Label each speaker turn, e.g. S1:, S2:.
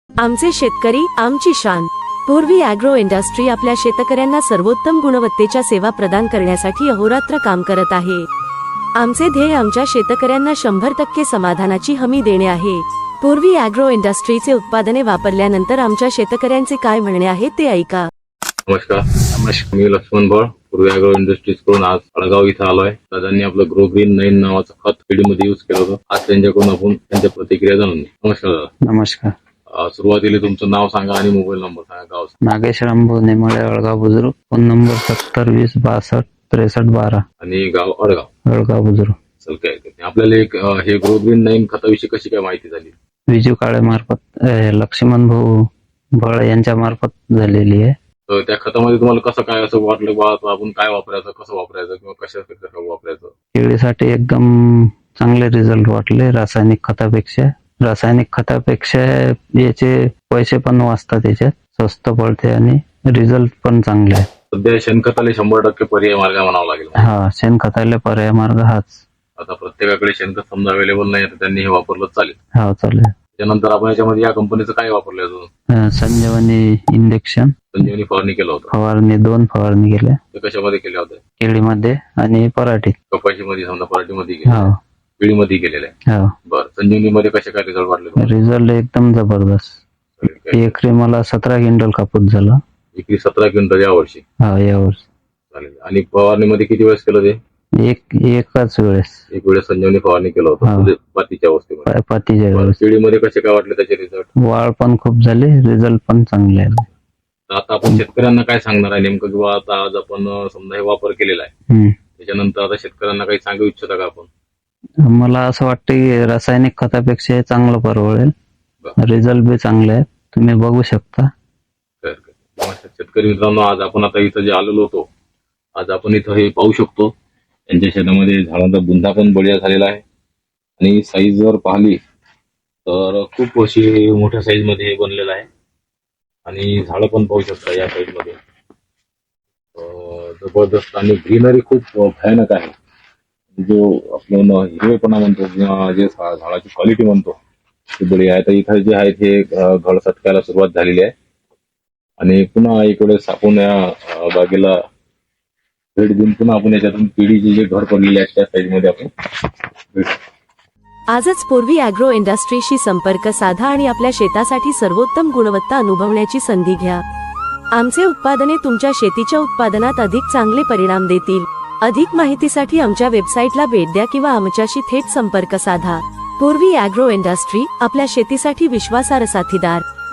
S1: आमचे शेतकरी आमची शान। पूर्वी ॲग्रो इंडस्ट्री आपल्या शेतकऱ्यांना सर्वोत्तम गुणवत्तेच्या सेवा प्रदान करण्यासाठी अहोरात्र काम करत आहे। आमचे ध्येय आमच्या शेतकऱ्यांना 100% समाधानाची हमी देणे आहे। पूर्वी ॲग्रो इंडस्ट्रीचे उत्पादने वापरल्यानंतर आमच्या शेतकऱ्यांचे काय म्हणणे आहे ते ऐका।
S2: नमस्कार, मी लक्ष्मण भळ, पूर्वी ॲग्रो इंडस्ट्रीज कडून आज अळगाव इथं आलोय। दादांनी आपलं ग्रो ग्रीन 9 नावाचं खत पिढीमध्ये यूज केलं होतं। आज त्यांच्याकडून आपण त्यांच्या प्रतिक्रिया जाणून घेऊ। नमस्कार दादा।
S3: नमस्कार।
S2: सुरुवातीला तुमचं नाव सांगा आणि मोबाईल नंबर सांगा। गाव
S3: नागेश रामभाऊ नेमाळे, अळगाव बुजुर्ग। फोन नंबर 7020626312
S2: आणि गाव अळगाव।
S3: अळगाव बुजुर्ग।
S2: चल काय आपल्याला एक हे ग्रो ग्रीन 9 खताविषयी कशी काय माहिती झाली?
S3: विजू काळे मार्फत, लक्ष्मण भाऊ भळ यांच्या मार्फत झालेली आहे।
S2: तर त्या खतामध्ये तुम्हाला कसं काय असं वाटलं बा आपण काय वापरायचं, कसं वापरायचं किंवा कशा वापरायचं?
S3: केळीसाठी एकदम चांगले रिझल्ट वाटले रासायनिक खतापेक्षा याचे पैसे पण वाचतात, याच्यात स्वस्त पडते आणि रिझल्ट पण चांगले आहे।
S2: सध्या शेणखताला 100% पर्याय मार्ग म्हणावा लागेल।
S3: हा, शेणखताला पर्याय मार्ग हाच।
S2: आता प्रत्येकाकडे शेणखत समजा अवेलेबल नाही तर त्यांनी हे वापरलं चालेल?
S3: हा, चालेल।
S2: त्यानंतर आपण याच्यामध्ये या कंपनीचं काय वापरलं अजून?
S3: संजीवनी इंजेक्शन,
S2: संजीवनी फवारणी केलं होतं।
S3: फवारणी 2 फवारणी केल्या।
S2: ते कशामध्ये केल्या होत्या?
S3: केळीमध्ये आणि पराठीत।
S2: कपाशीमध्ये समजा, पराठीमध्ये
S3: हो,
S2: पिढीमध्ये केलेलं आहे।
S3: हो।
S2: बरं, संजीवनी मध्ये कसे काय रिझल्ट वाटले?
S3: रिझल्ट एकदम जबरदस्त। एकरी मला 17 क्विंटल कापूस झाला।
S2: एकरी 17 क्विंटल यावर्षी?
S3: हा, यावर्षी।
S2: चालेल। आणि फवारणीमध्ये किती वेळेस केलं ते?
S3: एकाच वेळेस।
S2: एक वेळेस संजीवनी फवारणी केलं होतं म्हणजे पातीच्या अवस्थेमध्ये?
S3: पातीच्या वेळेस।
S2: पिढीमध्ये कसे काय वाटले त्याचे रिझल्ट?
S3: वाढ पण खूप झाली, रिझल्ट पण चांगले आहे।
S2: आता आपण शेतकऱ्यांना काय सांगणार आहे नेमकं, किंवा आता आज आपण समजा हे वापर केलेला आहे, त्याच्यानंतर आता शेतकऱ्यांना काही सांगू इच्छिता का आपण?
S3: मला असं वाटतं की रासायनिक खतापेक्षा हे चांगलं परवडेल। रिझल्ट बी चांगले आहेत, तुम्ही बघू शकता।
S2: शेतकरी मित्रांनो, आज आपण आता इथं जे आलेलो होतो, आज आपण इथं हे पाहू शकतो त्यांच्या शेतामध्ये झाडांचा बुंदा पण बळीया झालेला आहे। आणि साईज जर पाहिली तर खूप अशी मोठ्या साईज मध्ये हे बनलेलं आहे। आणि झाडं पण पाहू शकता या साईड मध्ये जबरदस्त, आणि ग्रीनरी खूप भयानक आहे। जो आपण हिरवेपणा म्हणतो किंवा जे झाडाची क्वालिटी म्हणतो ती बळी आहे। तर इथं जे आहेत हे घड सटकायला सुरुवात झालेली आहे। आणि पुन्हा इकडे आपण या बागेला भेट देऊन पुन्हा आपण याच्यातून पिढीचे जे घर पडलेले आहेत त्या साईड मध्ये आपण
S1: आजच पूर्वी ॲग्रो इंडस्ट्रीशी संपर्क साधा आणि आपल्या शेतासाठी सर्वोत्तम गुणवत्ता अनुभवण्याची संधी घ्या। आमचे उत्पादने तुमच्या शेतीच्या उत्पादनात अधिक चांगले परिणाम देतील। अधिक माहितीसाठी आमच्या वेबसाईटला भेट द्या किंवा आमच्याशी थेट संपर्क साधा। पूर्वी ॲग्रो इंडस्ट्री, आपल्या शेतीसाठी विश्वासार्ह साथीदार।